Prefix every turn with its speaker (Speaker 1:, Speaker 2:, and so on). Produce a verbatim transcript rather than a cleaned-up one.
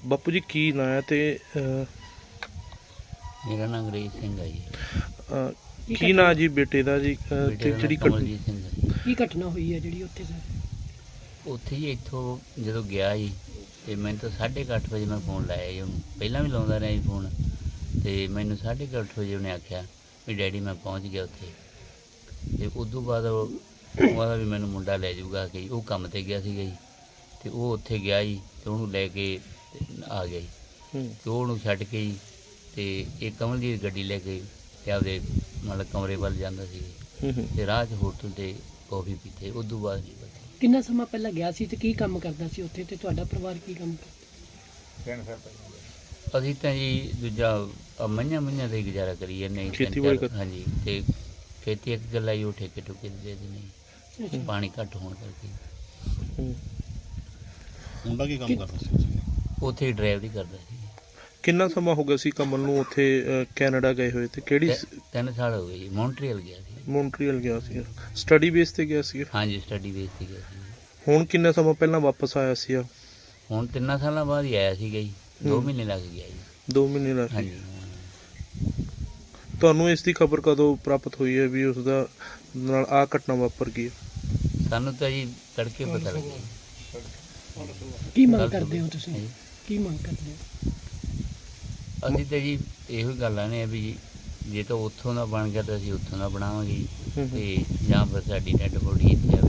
Speaker 1: ਬਾਪੂ ਜੀ ਕੀ ਨਾਂ ਹੈ ਤੇ ਅਹ,
Speaker 2: ਮੇਰਾ ਨਾਮ ਅੰਗਰੇਜ਼ ਸਿੰਘ ਹੈ ਜੀ।
Speaker 1: ਅਹ, ਕੀ ਨਾਂ ਜੀ ਬੇਟੇ ਦਾ ਜੀ ਅਹ,
Speaker 2: ਬੇਟੇ
Speaker 1: ਤੇ
Speaker 2: ਦਾ
Speaker 1: ਜਿਹੜੀ
Speaker 2: ਨਾਮ
Speaker 1: ਘਟ-
Speaker 2: ਕਮਲਜੀਤ ਸਿੰਘ ਹੈ ਜੀ।
Speaker 3: ਕੀ ਘਟਨਾ ਹੋਈ ਹੈ ਜਿਹੜੀ ਉੱਥੇ ਸਰ?
Speaker 2: ਉੱਥੇ ਜੀ ਇੱਥੋਂ ਜਦੋਂ ਗਿਆ ਜੀ ਤੇ ਮੈਨੂੰ ਤਾਂ ਸਾਢੇ ਕੁ ਅੱਠ ਵਜੇ ਮੈਂ ਫੋਨ ਲਾਇਆ ਜੀ ਉਹਨੂੰ। ਪਹਿਲਾਂ ਵੀ ਲਾਉਂਦਾ ਰਿਹਾ ਜੀ ਫੋਨ, ਤੇ ਮੈਨੂੰ ਸਾਢੇ ਕੁ ਅੱਠ ਵਜੇ ਉਹਨੇ ਆਖਿਆ ਵੀ ਡੈਡੀ ਮੈਂ ਪਹੁੰਚ ਗਿਆ ਉੱਥੇ। ਤੇ ਉਸ ਤੋਂ ਬਾਅਦ ਉਹ ਉਹਦਾ ਵੀ ਮੈਨੂੰ ਮੁੰਡਾ ਲੈ ਜਾਊਗਾ ਕਿ ਉਹ ਕੰਮ 'ਤੇ ਗਿਆ ਸੀਗਾ ਜੀ, ਤੇ ਉਹ ਉੱਥੇ ਗਿਆ ਜੀ ਤੇ ਉਹਨੂੰ ਲੈ ਕੇ ਤੇ ਆ ਗਿਆ ਜੀ।
Speaker 1: ਹੂੰ,
Speaker 2: ਤੇ ਉਹ ਉਹਨੂੰ ਛੱਡ ਕੇ ਜੀ ਤੇ ਇਹ ਕਮਲ ਦੀ ਗੱਡੀ ਲੈ ਕੇ ਤੇ ਆਪਦੇ ਮਤਲਬ ਕਮਰੇ ਵੱਲ ਜਾਂਦਾ ਸੀ।
Speaker 1: ਹੂੰ, ਹੂੰ।
Speaker 2: ਤੇ ਰਾਹ 'ਚ ਹੋਟਲ 'ਤੇ ਕੌਫੀ ਪੀਤੇ। ਉਸ ਤੋਂ ਬਾਅਦ ਨਹੀਂ ਪਤਾ।
Speaker 3: ਕਿੰਨਾ ਸਮਾਂ ਪਹਿਲਾਂ ਗਿਆ ਸੀ ਤੇ ਕੀ ਕੰਮ ਕਰਦਾ ਸੀ ਉੱਥੇ, ਤੇ ਤੁਹਾਡਾ ਪਰਿਵਾਰ ਕੀ ਕੰਮ ਕਰਦਾ?
Speaker 2: ਅਸੀਂ ਤਾਂ ਜੀ ਦੂਜਾ ਆਹ ਮਈਆਂ ਮਈਆਂ ਦਾ ਹੀ ਗੁਜ਼ਾਰਾ ਕਰੀ ਜਾਂਦੇ ਹਾਂ ਜੀ, ਤਿੰਨ
Speaker 1: ਖੇਤੀਬਾੜੀ
Speaker 2: ਚਾਰ-
Speaker 1: ਕਰ-
Speaker 2: ਹਾਂਜੀ। ਤੇ ਖੇਤੀ ਇੱਕ ਗੱਲ ਆਈ ਉਹ ਠੇਕੇ ਠੁਕੇ ਦੇ ਦਿੰਦੇ ਜੀ,
Speaker 3: ਅੱਛਾ।
Speaker 2: ਪਾਣੀ ਘੱਟ ਹੋਣ ਕਰਕੇ।
Speaker 1: ਹੂੰ।
Speaker 4: ਮੁੰਡਾ ਕੀ ਕੰਮ ਕਰਦਾ ਸੀ ਉੱਥੇ?
Speaker 2: ਉੱਥੇ ਹੀ ਡਰਾਈਵਰੀ ਕਰਦਾ ਸੀ।
Speaker 1: ਕਿੰਨਾ ਸਮਾਂ ਹੋ ਗਿਆ ਸੀ ਕਮਲ ਨੂੰ ਉੱਥੇ ਅਹ, ਕੈਨੇਡਾ ਗਏ ਹੋਏ ਤੇ ਕਿਹੜੀ
Speaker 2: ਤਿ- ਤਿੰਨ ਸਾਲ ਹੋ ਗਏ ਜੀ। ਮੌਂਟਰੀਅਲ ਗਿਆ ਸੀ।
Speaker 1: ਮੌਂਟਰੀਅਲ ਗਿਆ ਸੀ? ਸਟੱਡੀ ਬੇਸ ਤੇ ਗਿਆ ਸੀ?
Speaker 2: ਹਾਂਜੀ, ਸਟੱਡੀ ਬੇਸ ਤੇ ਗਿਆ ਸੀ।
Speaker 1: ਹੁਣ ਕਿੰਨਾ ਸਮਾਂ ਪਹਿਲਾਂ ਵਾਪਸ ਆਇਆ ਸੀ?
Speaker 2: ਹੁਣ ਤਿੰਨਾਂ ਸਾਲਾਂ ਬਾਅਦ ਹੀ ਆਇਆ ਸੀਗਾ ਜੀ। ਦੋ
Speaker 1: ਹੂੰ।
Speaker 2: ਮਹੀਨੇ ਲੱਗ ਗਿਆ ਜੀ।
Speaker 1: ਦੋ ਮਹੀਨੇ ਲੱਗ ਗਏ।
Speaker 2: ਹਾਂਜੀ ਹਾਂ।
Speaker 1: ਤੁਹਾਨੂੰ ਇਸ ਦੀ ਖਬਰ ਕਦੋਂ ਪ੍ਰਾਪਤ ਹੋਈ ਹੈ ਵੀ ਉਸ ਦਾ ਨਾਲ ਆਹ ਘਟਨਾ ਵਾਪਰ ਗਈ ਹੈ?
Speaker 2: ਸਾਨੂੰ ਤਾਂ ਜੀ ਤੜਕੇ ਪਤਾ ਲੱਗਿਆ ਜੀ।
Speaker 3: ਕੀ ਮੰਗ
Speaker 2: ਕੱਲ੍ਹ
Speaker 3: ਕਰਦੇ ਹੋ
Speaker 2: ਸੁਬਹ।
Speaker 3: ਤੁਸੀਂ?
Speaker 2: ਹਾਂਜੀ।
Speaker 3: ਕੀ ਮੰਗ ਕਰਦੇ ਹੋ?
Speaker 2: ਅਸੀਂ ਤਾਂ ਜੀ ਇਹੋ ਹੀ ਗੱਲਾਂ ਨੇ ਵੀ ਜੇ ਤਾਂ ਉੱਥੋਂ ਦਾ ਬਣ ਗਿਆ ਤਾਂ ਅਸੀਂ ਉੱਥੋਂ ਦਾ ਬਣਾਵਾਂਗੇ ਜੀ।
Speaker 1: ਹੂੰ, ਹੂੰ।
Speaker 2: ਤੇ ਜਾਂ ਫਿਰ ਸਾਡੀ ਡੈਡ ਬੋਡੀ ਇੱਥੇ